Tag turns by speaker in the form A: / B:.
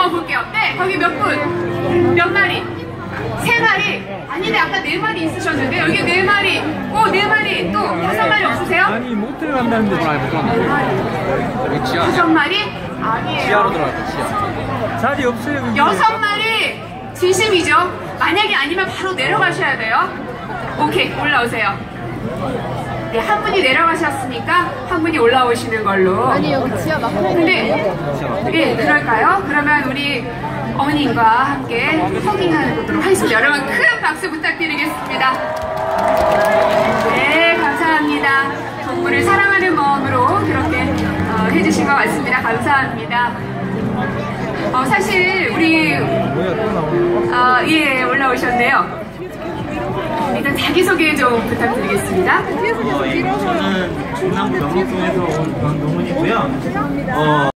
A: 볼게요. 네, 거기 몇 분? 몇 마리? 3마리? 아니네, 아까 4마리 있으셨는데 여기 4마리, 4마리, 또 5마리 없으세요?
B: 아니 모텔 간다는데
C: 여기 지하.
A: 5마리? 아니에요.
C: 지하로 들어갈게요. 지하.
B: 자리 없어요.
A: 6마리 진심이죠? 만약에 아니면 바로 내려가셔야 돼요. 오케이, 올라오세요. 네, 한 분이 내려가셨으니까 한 분이 올라오시는 걸로.
D: 아니 여기 지하 마크.
A: 근데 예, 그럴까요? 그러면 우리 어머님과 함께 허깅하는 것도록 하겠습니다. 여러분 큰 박수 부탁드리겠습니다. 네, 감사합니다. 동물을 사랑하는 마음으로 그렇게 해주신 것 같습니다. 감사합니다. 사실 우리 예, 올라오셨네요. 일단 자기소개 좀 부탁드리겠습니다.
E: 저는 중남부 영업동에서 온 권동훈이고요.